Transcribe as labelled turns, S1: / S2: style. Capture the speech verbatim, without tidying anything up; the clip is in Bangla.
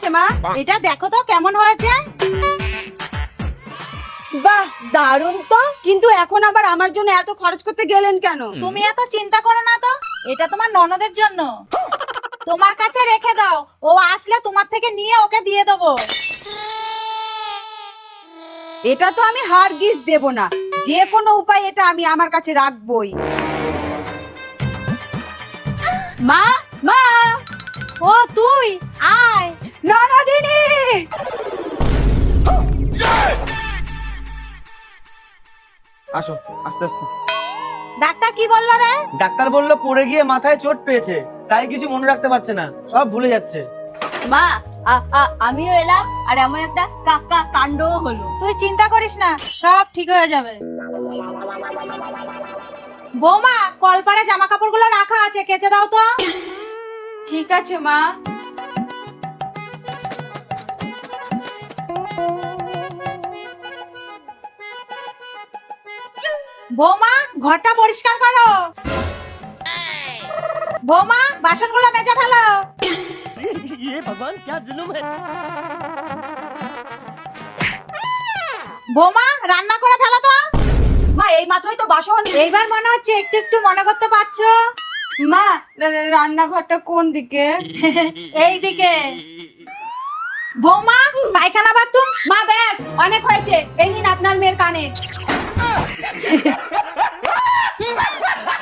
S1: মা?
S2: এটা দেখো তো কেমন হয়েছে।
S1: বাহ, দারুণ তো। কিন্তু এখন আবার আমার জন্য এত খরচ করতে গেলেন কেন?
S2: তুমি এত চিন্তা করো না তো, এটা তোমার ননদের জন্য। তোমার কাছে রেখে দাও, ও আসলে তোমার থেকে নিয়ে ওকে দিয়ে দেবো।
S1: এটা তো আমি হারগিজ দেব না, যে কোনো উপায় এটা আমি আমার কাছে রাখবই।
S3: মা মা
S2: ও তুই আয়।
S1: ননদিনী,
S4: আসো আস্তে আস্তে।
S2: ডাক্তার কি বললো রে?
S4: ডাক্তার বললো পড়ে গিয়ে মাথায় চোট পেয়েছে, তাই কিছু মনে রাখতে পারছে না, সব ভুলে যাচ্ছে।
S3: মা আ- আ- আমিও এলাম আর এমন একটা কাকা কাণ্ডও হলো।
S2: তুই চিন্তা করিস না, সব ঠিক হয়ে যাবে। বৌমা, কলপারে জামা কাপড়গুলো রাখা আছে, কেচে দাও তো।
S1: ঠিক আছে মা।
S2: বৌমা, ঘরটা পরিষ্কার করো। বৌমা, বাসনগুলো মেজে ফেলো।
S5: ये भगवान क्या जुल्म है।
S2: বৌমা, রান্না করে ফেলো তো।
S1: মা, এই মাত্রই তো বাসন।
S2: এইবার মনে হচ্ছে একটু একটু মনে করতে পারছো।
S1: মা, রা- রা- রান্নাঘরটা কোন দিকে?
S2: এই দিকে। বৌমা, পায়খানা বাথরুম।
S1: মা ব্যাস, অনেক হয়েছে। এই নিন আপনার মেয়ের কানে।